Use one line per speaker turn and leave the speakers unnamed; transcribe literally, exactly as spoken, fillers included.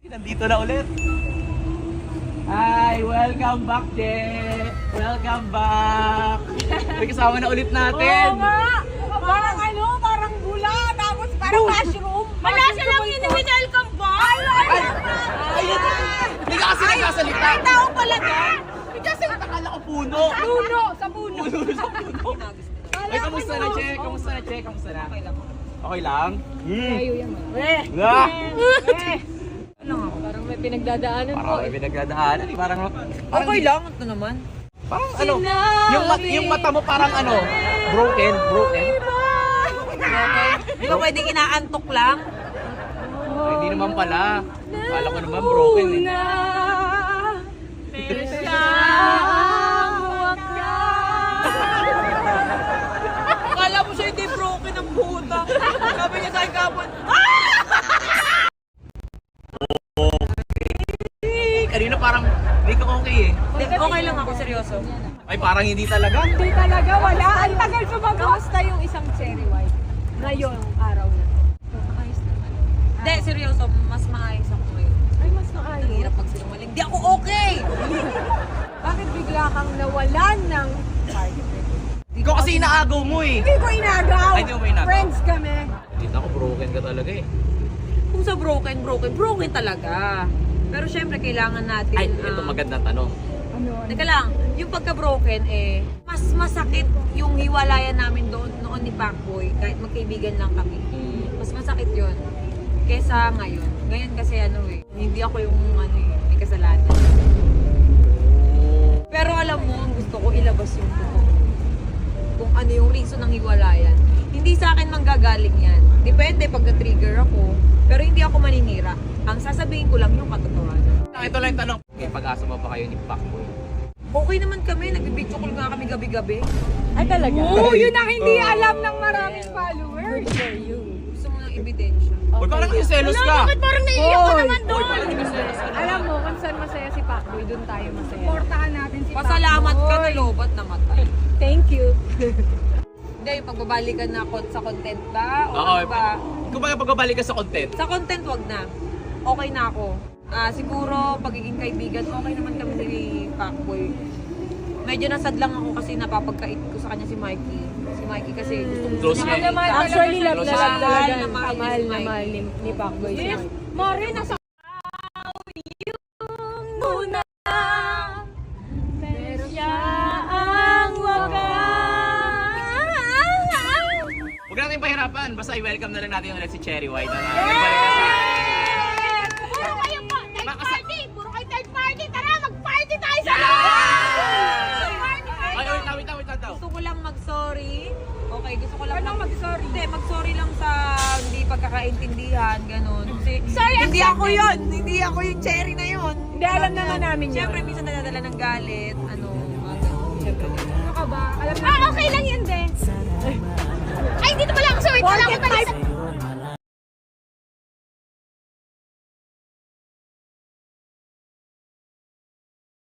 Nandito na ulit. Hi, welcome back, Je. Welcome back. May kasama na ulit natin.
Oo nga. Parang ano, parang bula, tapos parang mushroom.
Wala silang in-welcome ba?
Ay, ay,
Ay, ayun. Hindi ka kasi nagsasalita.
Ay, tao pala doon.
Hindi kasi nakakala ko puno.
Puno, sa puno.
Puno sa puno. Ay, kamusta na, Che? Kamusta na, Che? Kamusta na? Okay lang. Okay lang? Hmm.
Eh,
Ah!
eh. Ano nga, parang may pinagdadaanan po.
Parang may pinagdadaanan. eh. Parang, parang,
Okay lang, ito naman.
parang ano, yung, mat, yung mata mo parang ano, broken, broken.
Di ba pwedeng inaantok lang?
Ay, hindi naman pala. Kala ko naman broken eh.
Pero siya akala mo siya hindi broken ang puta. Sabi niya sa akin kapon,
Kanina parang hindi ka okay eh.
okay lang ako, seryoso.
Ay, parang hindi talaga.
Hindi talaga, wala. Ang tagal sumagot. Kamusta yung isang cherry white? Ngayon, araw na. Ayos naman. Hindi, seryoso, mas maayos ako ngayon. Ay, mas maayos? Ang hirap magsinungaling. Hindi ako okay! Bakit bigla kang nawalan ng party?
Ikaw kasi inaagaw mo eh.
Hindi ko inagaw.
Ay, hindi mo inagaw.
Friends kami.
Kita ko broken ka talaga eh.
Kung sa broken, broken, broken talaga. Pero syempre, kailangan natin...
Ay, ito
ah,
magandang tanong.
Ano? Teka lang, yung pagka-broken eh, mas masakit yung hiwalayan namin doon noon ni Pacboy, kahit magkaibigan lang kami. Mas masakit yun kesa ngayon. Ngayon kasi ano eh, hindi ako yung ano eh, may kasalanan. Pero alam mo, ang gusto ko ilabas yung totoo. Kung ano yung reason ng hiwalayan. Hindi sa akin manggagaling yan. Depende pag na-trigger ako. Pero hindi ako maninira. Ang sasabihin ko lang yung katotohanan.
Ito lang yung tanong. Okay, pag-asa mo ba kayo ni Pacboy?
Okay naman kami, nag-video call nga kami gabi-gabi.
Ay talaga?
Oo, yun ang hindi
Oo.
alam ng maraming followers. Good for you. Gusto mo ng ebidensya.
Uy, parang kasi selos ka.
Bakit parang naiiyak ka naman
Uy,
doon?
parang kasi selos ka.
Alam mo, kung saan masaya si Pacboy, doon tayo masaya.
Portahan natin si Pasalamat ka na lobat namatay.
Thank you.
Hindi, yung pagbabalikan na kon- sa content ba? O
Oo,
ano ba?
kung baga pagbabalik ka sa content.
Sa content, wag na. Okay na ako. Ah, siguro, pagiging kaibigan, okay naman kami ni Pacboy. Medyo nasad lang ako kasi napapagkait ko sa kanya si Mikey. Si Mikey kasi gustong
Close
gusto
niya
niya.
eh.
Actually, love
Close
na
siya.
love talaga.
Mahal na mahal
Kamahal
ni
na
Mikey.
mahal ni, ni Pacboy siya.
Mari, nasa
Muna, pero siya ang wakas.
Huwag natin pahirapan. Basta i-welcome na lang natin ulit si Cherry White. Ano? Nagbalik na siya.
Puro kayo po, third
Makasa-
party! Puro kayo third party! Tara, mag-party tayo sa
Yeah!
Party,
Ay,
party!
wait, wait, wait, wait,
gusto ko lang mag-sorry. Okay, gusto ko lang
Anong mag-sorry?
Hindi, mag-sorry lang sa hindi pagkakaintindihan, ganun. Kasi
Sorry,
hindi
accepted.
ako yun. Hindi ako yung cherry na yun.
Hindi, alam naman namin yun.
Siyempre, minsan nadadala ng galit. Ano, mga ganun. Siyempre, ganun.
Ano ka ba? Alam ah, okay lang yun, din. Ay, dito pala ako. Sorry, wala ko pala.